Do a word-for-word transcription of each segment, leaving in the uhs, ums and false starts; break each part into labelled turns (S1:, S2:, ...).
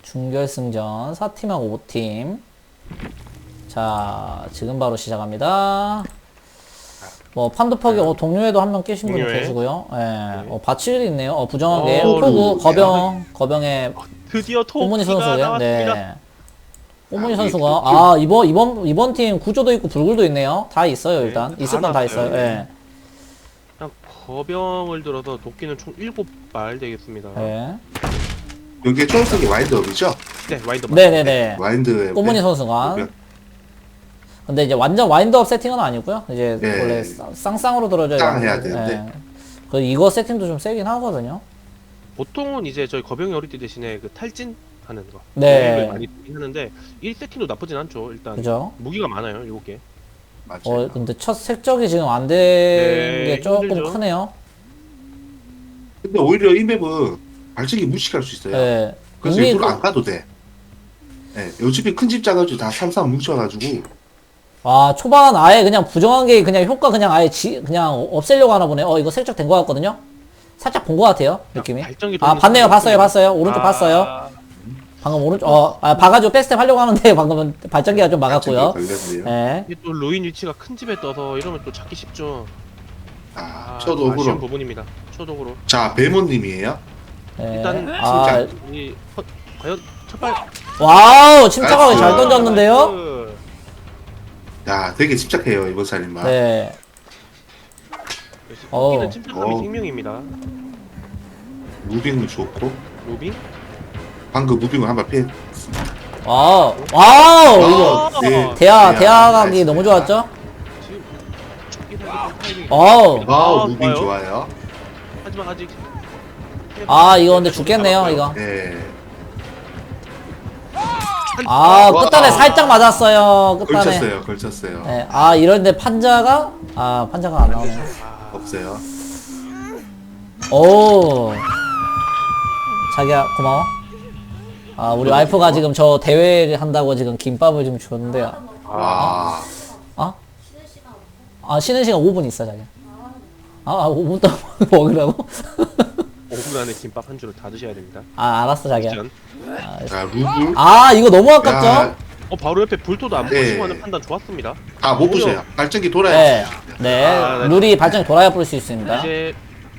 S1: 준결승전 사 팀하고 오 팀. 자, 지금 바로 시작합니다. 뭐, 판도퍽이, 어, 동료에도 한 명 깨신 분이
S2: 동료에.
S1: 계시고요. 예.
S2: 네.
S1: 어, 바칠이 있네요. 어, 부정하게.
S2: 어,
S1: 포구,
S2: 네.
S1: 거병, 거병의
S2: 드디어
S1: 꼬문이
S2: 토끼가
S1: 선수고요.
S2: 나왔습니다.
S1: 네. 꼬문이
S3: 아,
S1: 선수가,
S3: 우리 그-
S1: 아, 이번, 이번, 이번 팀 구조도 있고 불굴도 있네요. 다 있어요,
S2: 네,
S1: 일단.
S2: 다
S1: 있을 건 다
S2: 나왔어요.
S1: 있어요. 예.
S2: 그냥 거병을 들어서 도끼는 총 일곱 발 되겠습니다.
S1: 예.
S3: 여기에 초록색이 와인드업이죠?
S2: 네, 와인더.
S1: 네네네.
S3: 와인드에
S1: 꼬문이 선수가. 근데 이제 완전 와인드업 세팅은 아니고요. 이제
S3: 네.
S1: 원래 쌍- 쌍쌍으로 들어줘야
S3: 쌍 해야
S1: 되는데,
S3: 되는데.
S1: 예. 그 이거 세팅도 좀 세긴 하거든요.
S2: 보통은 이제 저희 거병이 어릴 때 대신에 그 탈진 하는 거.
S1: 네.
S2: 거기를 많이 쓰긴 하는데 일 세팅도 나쁘진 않죠. 일단
S1: 그죠?
S2: 무기가 많아요. 일곱 개.
S3: 맞아요.
S1: 어, 근데 첫 색적이 지금 안 된 게
S2: 네,
S1: 조금
S2: 힘들죠.
S1: 크네요.
S3: 근데 오히려 이 맵은 발전기 무식할 수 있어요.
S1: 예.
S3: 그래서
S1: 이미
S3: 일부러
S1: 그-
S3: 안 가도 돼. 예, 요즘에 큰 집 작은 집 다 삼삼 뭉쳐가지고
S1: 아, 초반 아예 그냥 부정한 게 그냥 효과 그냥 아예 지, 그냥 없애려고 하나 보네. 어, 이거 색적 된 것 같거든요? 살짝 본 것 같아요, 느낌이.
S2: 발전기
S1: 아,
S2: 돌리는
S1: 봤네요,
S2: 사람이
S1: 봤어요,
S2: 있습니다.
S1: 봤어요. 오른쪽
S2: 아,
S1: 봤어요. 방금 오른쪽, 어, 아, 봐가지고 백스텝 하려고 하는데 방금은 발전기가 좀 막았고요.
S3: 발전기 걸렸네요.
S1: 예.
S2: 이게 또 루인 위치가 큰 집에 떠서 이러면 또 찾기 쉽죠.
S3: 아,
S2: 아,
S3: 저도
S2: 아쉬운
S3: 그럼.
S2: 부분입니다. 초독으로.
S3: 자, 배모님이에요.
S1: 예.
S2: 일단
S1: 아,
S2: 이 허- 과연 첫발
S1: 와우, 침착하게
S3: 나이스.
S1: 잘 던졌는데요?
S3: 야, 되게 집착해요 이번 살인마.
S1: 네. 어우.
S2: 토끼는 침착함이
S3: 어우.
S2: 생명입니다.
S3: 무빙은 좋고
S2: 로빙?
S3: 방금 무빙을 한 발 피해.
S1: 와우, 와우,
S2: 아,
S1: 이거.
S3: 네.
S1: 대화,
S3: 네,
S1: 대화각이
S3: 나이스.
S1: 너무 좋았죠?
S2: 지금 쫓기 살기 타이밍이
S1: 어우.
S3: 와우,
S2: 아,
S3: 무빙
S2: 좋아요.
S3: 좋아요.
S2: 하지만 아직
S1: 아, 이거 근데 죽겠네요, 이거.
S3: 네.
S1: 아,
S3: 와.
S1: 끝단에 살짝 맞았어요, 끝단에.
S3: 걸쳤어요, 걸쳤어요.
S1: 네. 아, 이런데 판자가? 아, 판자가 안 나오네.
S2: 아,
S3: 없어요.
S1: 오. 자기야, 고마워. 아, 우리 와이프가 지금 저 대회를 한다고 지금 김밥을 지금 줬는데요.
S3: 와.
S1: 아? 아, 쉬는 시간 오 분 있어, 자기야. 아, 아 오 분 동안 먹으라고?
S2: 오 분 안에 김밥 한 줄을 다 드셔야 됩니다.
S1: 아, 알았어, 자기야.
S2: 짠.
S3: 자, 루블.
S1: 아, 이거 너무 아깝죠?
S3: 야,
S2: 어 바로 옆에 불토도 안
S3: 네.
S2: 보시고 하는 판단 좋았습니다.
S3: 아, 못 보세요. 발전기 돌아야
S1: 네.
S3: 돼.
S1: 네.
S2: 아, 네.
S1: 룰이 발전이 돌아야 볼 수 있습니다.
S2: 이제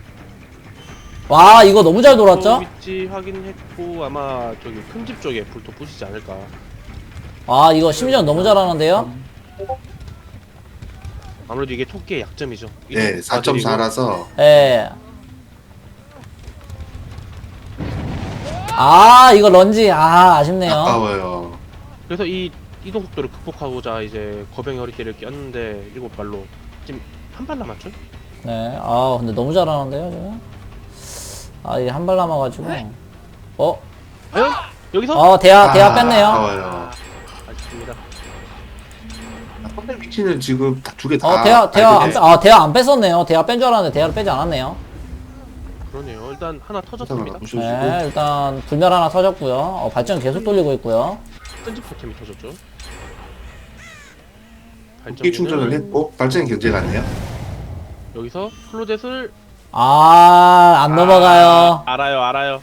S1: 와, 이거 너무 잘
S2: 불토
S1: 돌았죠?
S2: 위치 확인했고 아마 저기 큰 집 쪽에 불토 부시지 않을까.
S1: 아, 이거 심지어 너무 잘하는데요?
S2: 아무래도 이게 토끼의 약점이죠.
S3: 네, 사 점 사라서
S1: 예. 아, 이거 런지. 아, 아쉽네요.
S3: 아까워요.
S2: 그래서 이 이동 속도를 극복하고자 이제 거병이 허리띠를 꼈는데 일곱 발로 지금 한 발 남았죠?
S1: 네. 아, 근데 너무 잘하는데요, 지금? 아, 이게 한 발 남아가지고. 어?
S2: 과연 여기서
S1: 어, 대야, 대야
S3: 아,
S1: 뺐네요.
S3: 아까워요.
S2: 아쉽습니다.
S3: 선배 위치는 지금 두 개 다.
S1: 어, 대야, 대야 안,
S3: 알게
S1: 빼- 아, 대야 안 뺐었네요. 대야 뺀 줄 알았는데 대야를 빼지 않았네요.
S2: 그러네요. 일단 하나
S3: 돼.
S2: 터졌습니다.
S3: 부셔주고.
S1: 네, 일단 불멸 하나 터졌고요. 어, 발전 계속 돌리고 있고요.
S2: 끈집 포템이 터졌죠.
S3: 무기 충전을 했고 발전기 견제 갔네요.
S2: 여기서 클로젯을
S1: 아, 안 넘어가요.
S2: 알아요, 알아요.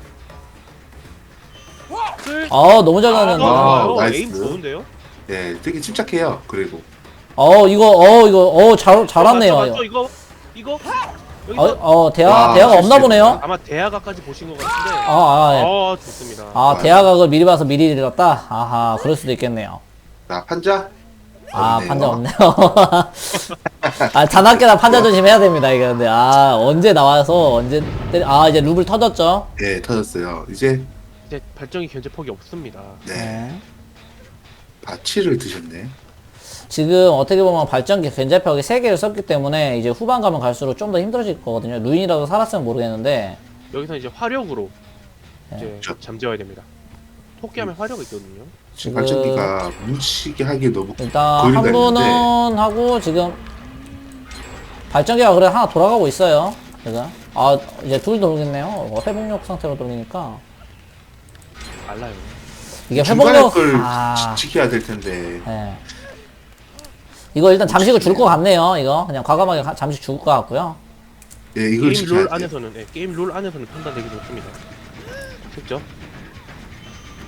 S2: 끌.
S1: 어, 너무 잘
S2: 아,
S1: 던졌네.
S3: 아,
S2: 좋아요.
S3: 나이스.
S2: 에임 좋은데요?
S3: 네, 되게 침착해요. 그리고
S1: 어, 이거, 어, 이거, 어, 잘, 잘 왔네요.
S2: 맞죠, 맞죠?
S1: 이거.
S2: 이거 이거
S1: 어,
S2: 여기서
S1: 어, 대야,
S3: 와,
S1: 대야가 없나
S3: 실수했다.
S1: 보네요.
S2: 아마 대하가까지 보신 것 같은데.
S1: 아, 아, 예.
S2: 어, 좋습니다.
S1: 아, 대야각을 미리 봐서 미리 잃었다? 아하, 그럴 수도 있겠네요.
S3: 자 판자.
S1: 아,
S3: 없네요.
S1: 판자 없네요. 아, 자나깨나 판자 조심해야 됩니다, 이거. 근데, 아, 언제 나와서, 언제, 때리... 아, 이제 루블 터졌죠?
S3: 네, 터졌어요. 이제
S2: 이제 발전기 견제폭이 없습니다.
S3: 네,
S1: 네.
S3: 바치를 드셨네.
S1: 지금 어떻게 보면 발전기 견제벽이 세 개를 썼기 때문에 이제 후반 가면 갈수록 좀 더 힘들어질 거거든요. 루인이라도 살았으면 모르겠는데,
S2: 여기서 이제 화력으로
S1: 네.
S2: 이제
S3: 그렇죠.
S2: 잠재워야 됩니다. 토끼하면 화력이 있거든요.
S3: 지금
S1: 지금-
S3: 발전기가 뭉치게 하기 너무
S1: 일단
S3: 거리가
S1: 한 분은
S3: 있는데.
S1: 하고 지금 발전기가 그래 하나 돌아가고 있어요. 지금. 아, 이제 둘 돌겠네요. 어, 회복력 상태로 돌리니까.
S2: 알라요.
S1: 이게
S3: 중간에
S1: 회복력,
S3: 걸
S1: 아.
S3: 지- 지켜야 될 텐데.
S1: 예. 이거 일단 잠식을 줄 것 같네요. 이거 그냥 과감하게 가- 잠식 줄 것 같고요.
S3: 네, 이걸
S2: 게임
S3: 지켜야
S2: 룰
S3: 돼요.
S2: 안에서는 예, 게임 룰 안에서는 판단되기 좋습니다. 직접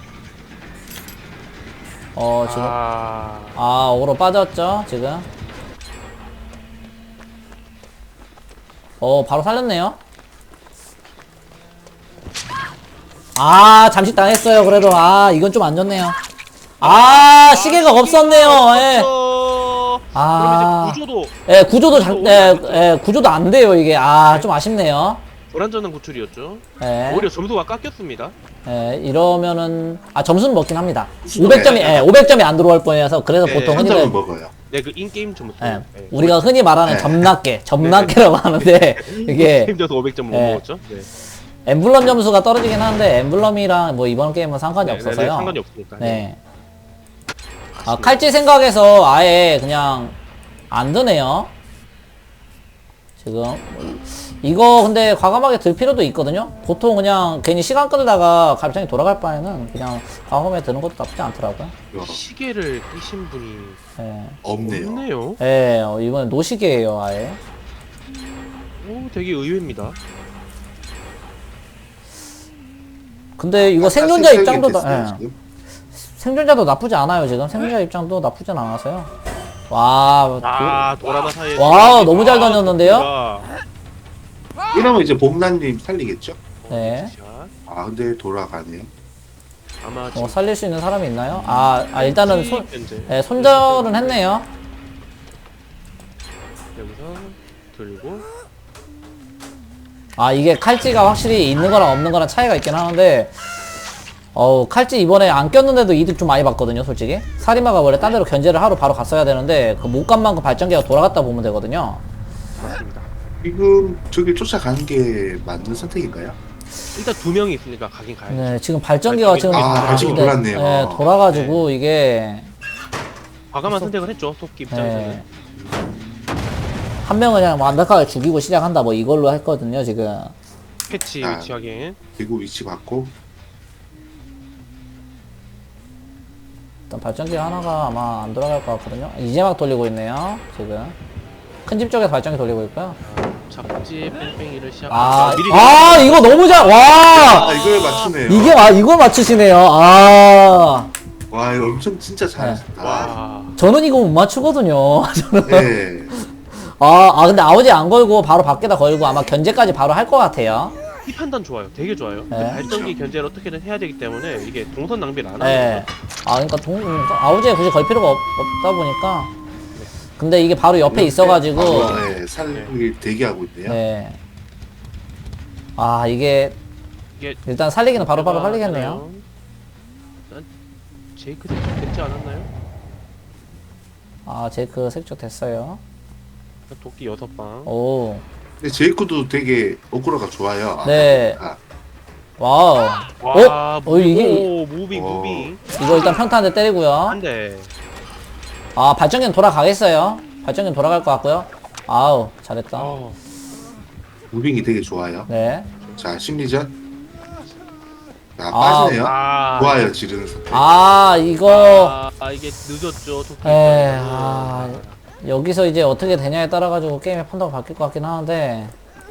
S1: 어, 지금.
S2: 아,
S1: 아, 어그로 빠졌죠, 지금. 어, 바로 살렸네요. 아, 잠시 당했어요, 그래도. 아, 이건 좀 안 좋네요. 아, 시계가 없었네요, 예.
S2: 없었어.
S1: 아.
S2: 그러면 이제 구조도
S1: 예, 구조도 잘,
S2: 구조도
S1: 예,
S2: 오히려
S1: 예, 구조도 안 돼요, 이게. 아, 좀 아쉽네요.
S2: 불안전한 구출이었죠.
S1: 예.
S2: 오히려 점수가 깎였습니다.
S1: 예, 이러면은, 아, 점수는 먹긴 합니다.
S3: 점수는
S1: 오백 점이,
S3: 네.
S1: 예, 오백 점이 안 들어올 뻔해서, 그래서
S2: 네,
S1: 보통
S3: 한
S1: 흔히들,
S3: 점을 먹어요.
S2: 네, 그 인게임 점수.
S1: 예,
S2: 네.
S1: 우리가 흔히 말하는
S3: 네.
S1: 점낮게, 점낮게라고 하는데, 이게,
S2: 힘들어서 오백 점 못
S1: 네.
S2: 먹었죠. 네.
S1: 엠블럼 점수가 떨어지긴 하는데, 엠블럼이랑 뭐 이번 게임은 상관이
S2: 네, 네,
S1: 없어서요.
S2: 네, 상관이 없으니까.
S1: 네. 아,
S2: 아쉽네요.
S1: 칼질 생각에서 아예 그냥 안 드네요. 지금 이거 근데 과감하게 들 필요도 있거든요. 보통 그냥 괜히 시간 끌다가 갑자기 돌아갈 바에는 그냥 과감하게 드는 것도 나쁘지 않더라고요.
S3: 이거
S2: 시계를 끼신 분이
S1: 예.
S3: 없네요.
S2: 없네요.
S1: 예, 어, 이번엔 노시계예요, 아예.
S2: 오, 되게 의외입니다.
S1: 근데 이거
S3: 아,
S1: 생존자
S3: 세- 세
S1: 입장도
S3: 개
S1: 나,
S3: 됐어요,
S1: 예.
S3: 지금?
S1: 생존자도 나쁘지 않아요, 지금. 생존자 입장도 나쁘진 않아서요. 와,
S2: 아, 도라나 사이에.
S1: 와우, 너무 잘 던졌는데요?
S2: 도끼가
S3: 이러면 이제 봄나님 살리겠죠?
S1: 네.
S2: 샷.
S3: 아 근데 돌아가네요.
S2: 아마
S1: 어, 살릴 수 있는 사람이 있나요? 아, 아 일단은 손,
S2: 현재
S1: 예, 손절은 했네요.
S2: 여기서 들고
S1: 아, 이게 칼찌가 확실히 있는 거랑 없는 거랑 차이가 있긴 하는데, 어우, 칼찌 이번에 안 꼈는데도 이득 좀 많이 봤거든요, 솔직히. 사리마가 원래 딴 데로 견제를 하러 바로 갔어야 되는데, 그 못 간 만큼 발전기가 돌아갔다 보면 되거든요.
S2: 맞습니다.
S3: 지금 저기 쫓아가는 게 맞는 선택인가요?
S2: 일단 두 명이 있으니까 가긴 가야죠.
S1: 네, 지금 발전기가 지금.
S3: 아, 발전기
S1: 네,
S3: 돌았네요.
S1: 네, 돌아가지고, 이게.
S2: 과감한 선택을 했죠. 토끼 입장에서는.
S1: 네. 한 명은 그냥 완벽하게 죽이고 시작한다, 뭐 이걸로 했거든요, 지금.
S2: 패치
S3: 아.
S2: 위치 확인.
S3: 그리고 위치 받고
S1: 일단 발전기 하나가 아마 안 돌아갈 것 같거든요. 이제 막 돌리고 있네요, 지금. 큰 집 쪽에서 발전기 돌리고 있고요.
S2: 잡지 뺑뺑이를 시작.
S1: 아,
S2: 미리
S1: 아, 이거 너무 잘, 와!
S3: 아 이걸 맞추네요.
S1: 이게, 아, 이걸 맞추시네요. 아.
S3: 와 이거 엄청 진짜 잘하셨다.
S2: 와.
S1: 저는 이거 못 맞추거든요. 저는.
S3: 네.
S1: 아, 아, 근데 아우지 안 걸고 바로 밖에다 걸고 아마 견제까지 바로 할 것 같아요.
S2: 이 판단 좋아요. 되게 좋아요. 근데
S1: 네.
S2: 발전기 견제를 어떻게든 해야 되기 때문에 이게 동선 낭비를 안 하는
S1: 네.
S2: 거죠.
S1: 아, 그러니까 동, 아우지에 굳이 걸 필요가 없, 없다 보니까. 근데 이게 바로 옆에 있어가지고.
S3: 바로, 네, 살리기 대기하고 있네요.
S1: 네. 아, 이게
S2: 이게
S1: 일단 살리기는 바로바로 살리겠네요.
S2: 난 제이크 대충 됐지 않았나요?
S1: 아, 제이크 색조 됐어요.
S2: 도끼 여섯 방.
S1: 오.
S3: 근데 제이크도 되게 오크라가 좋아요.
S1: 네.
S3: 아,
S1: 와우.
S2: 와,
S1: 어? 어, 이게,
S2: 오, 무빙,
S3: 어.
S2: 무빙.
S1: 이거 일단 평타 한 대 때리고요.
S2: 한 대.
S1: 아, 발전기는 돌아가겠어요. 발전기는 돌아갈 것 같고요. 아우, 잘했다.
S2: 어,
S3: 무빙이 되게 좋아요.
S1: 네.
S3: 자 심리전. 자
S1: 아,
S3: 빠지네요.
S2: 아,
S3: 좋아요 지르는 선택.
S1: 아, 이거.
S2: 아, 아, 이게 늦었죠. 도끼.
S1: 에,
S2: 입장에서는.
S1: 아, 여기서 이제 어떻게 되냐에 따라가지고 게임의 판도가 바뀔 것 같긴 하는데.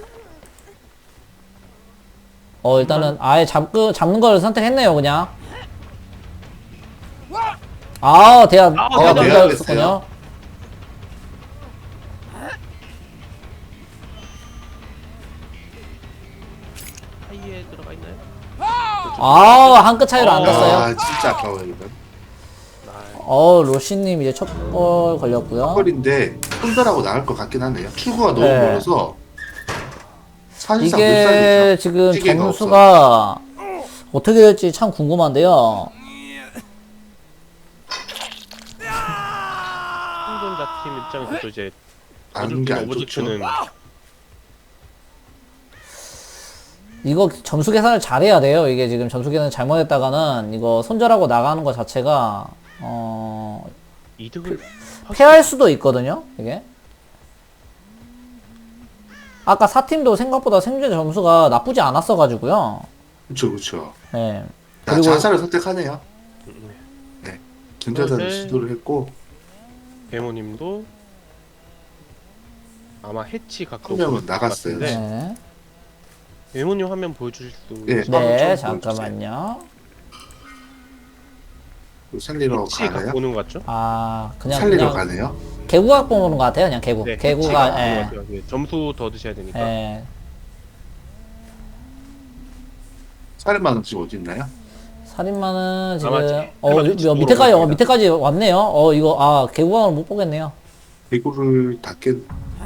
S1: 어, 일단은 아예 잡그, 잡는 걸 선택했네요, 그냥. 아, 대야,
S2: 아,
S1: 대야
S3: 대야
S1: 먼저
S3: 됐어요.
S1: 했었군요.
S2: 사이에 들어가 있나요?
S1: 아, 한 끗 차이로 안
S2: 어.
S1: 갔어요.
S3: 아 진짜 아까워요 이건.
S2: 아,
S1: 어, 로시님 이제 첫 골 걸렸고요.
S3: 펄인데 손절하고 나갈 것 같긴 하네요. 출구가 너무
S1: 네.
S3: 멀어서 사실상 못
S1: 이게
S3: 살리죠.
S1: 지금
S3: 시계가
S1: 점수가 어떻게 될지 참 궁금한데요.
S2: 생존자 팀 입장에서도 이제
S3: 아는 게 안 좋죠.
S2: 오브젝트는
S1: 이거 점수 계산을 잘해야 돼요. 이게 지금 점수 계산 잘못했다가는 이거 손절하고 나가는 것 자체가 어
S2: 이득을
S1: 패할 수도 있거든요. 이게 아까 사 팀도 생각보다 생존 점수가 나쁘지 않았어 가지고요.
S3: 그렇죠, 그렇죠.
S1: 네.
S3: 자,
S1: 그리고
S3: 자살을 선택하네요. 네, 전자살을
S2: 네.
S3: 시도를 했고
S2: 배모님도 아마 해치 각도
S3: 한 명은
S2: 보일 것
S3: 나갔어요.
S2: 같은데
S1: 네.
S2: 배모님 화면 보여주실 수
S3: 예.
S2: 있나요?
S3: 한번
S1: 네,
S3: 좀
S1: 잠깐만요.
S3: 그 살리러
S2: 패치 갖고
S3: 가나요?
S2: 오는 것 같죠?
S1: 아 그냥
S3: 살리러
S1: 그냥
S3: 가네요.
S1: 개구각 보는 것 같아요. 그냥 개구.
S2: 네, 패치
S1: 개구가
S2: 갖고 오는 것
S1: 예.
S2: 같아요. 네, 점수 더 드셔야 되니까.
S1: 예.
S3: 살인마는 지금 어디 있나요?
S1: 살인마는 지금
S2: 아마
S1: 어
S2: 살인마
S1: 요-
S2: 뒤쪽으로
S1: 밑에까지 어,
S2: 갑니다.
S1: 밑에까지 왔네요. 어 이거 아 개구각을 못 보겠네요.
S3: 개구를 닫게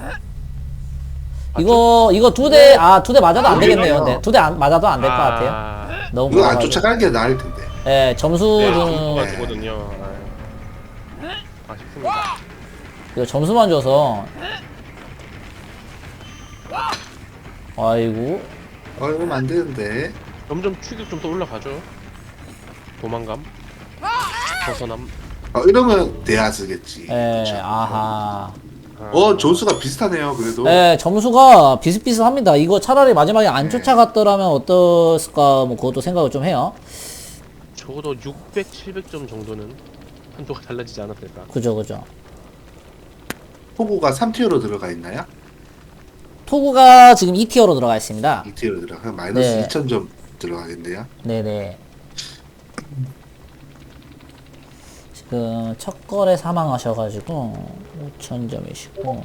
S1: 이거 이거 두 대 아 두 대 맞아도 안
S3: 아,
S1: 되겠네요.
S3: 그래요?
S1: 근데 두 대 맞아도 안 될 것 같아요.
S2: 아,
S1: 너무
S3: 이거 안
S1: 멀어가지고.
S3: 쫓아가는 게 나을 텐데.
S1: 예, 점수
S2: 네,
S1: 좀
S2: 점수가
S3: 네.
S2: 주거든요. 아, 아쉽습니다.
S1: 이거 점수만 줘서 아이고
S3: 어 이러면 안 되는데.
S2: 점점 추격 좀 더 올라가죠. 도망감, 벗어남.
S3: 어 이러면 대하스겠지.
S1: 예
S3: 그쵸?
S1: 아하
S2: 아,
S3: 어 점수가 비슷하네요. 그래도.
S1: 예 점수가 비슷비슷합니다. 이거 차라리 마지막에 안
S3: 네.
S1: 쫓아갔더라면 어땠을까 뭐 그것도 생각을 좀 해요.
S2: 적어도 육백, 칠백 점 정도는 한도가 달라지지 않았을까.
S1: 그죠 그죠.
S3: 포구가 삼 티어로 들어가 있나요?
S1: 토구가 지금 이 티어로 들어가 있습니다.
S3: 이 티어로 들어가 마이너스
S1: 네.
S3: 이천 점 들어가겠네요.
S1: 네네. 지금 첫 거래 사망하셔가지고 오천 점이시고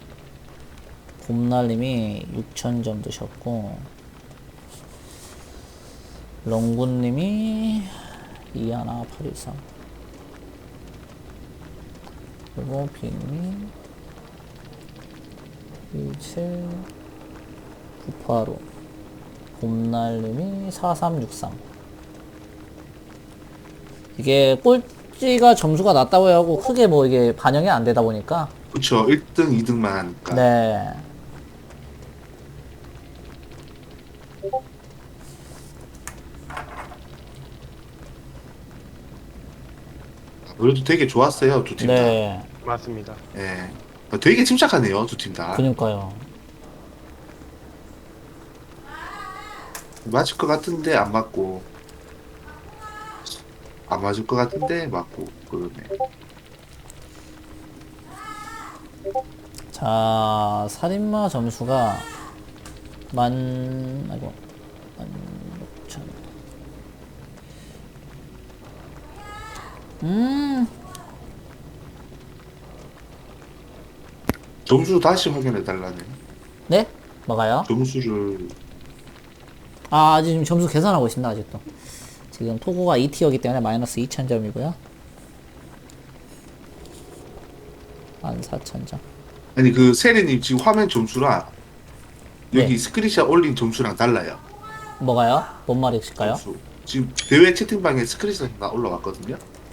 S1: 곰날님이 육천 점 드셨고 롱군님이 이하나 팔일삼 그리고 빅님 일칠 구팔오 곰날님이 사삼육삼 이게 꼴찌가 점수가 낮다고 하고 크게 뭐 이게 반영이 안 되다 보니까
S3: 그쵸. 일 등, 이 등만 하니까.
S1: 네
S3: 그래도 되게 좋았어요. 두 팀 다.
S1: 네,
S2: 맞습니다.
S3: 예. 어, 되게 침착하네요. 두 팀 다.
S1: 그니까요.
S3: 맞을 것 같은데 안 맞고. 안 맞을 것 같은데 맞고. 그러네.
S1: 자, 살인마 점수가 만, 아이고, 만 육천. 음,
S3: 점수 다시 확인해 달라네.
S1: 네? 뭐가요?
S3: 점수를
S1: 아, 지금 점수 계산하고 있습니다, 아직도. 지금 토고가 이 티어이기 때문에 마이너스 이천 점이고요. 만 사천 점.
S3: 아니 그 세리님 지금 화면 점수랑 여기
S1: 네.
S3: 스크린샷 올린 점수랑 달라요.
S1: 뭐가요? 뭔 말이실까요?
S3: 점수. 지금 대회 채팅방에 스크린샷 다 올라왔거든요.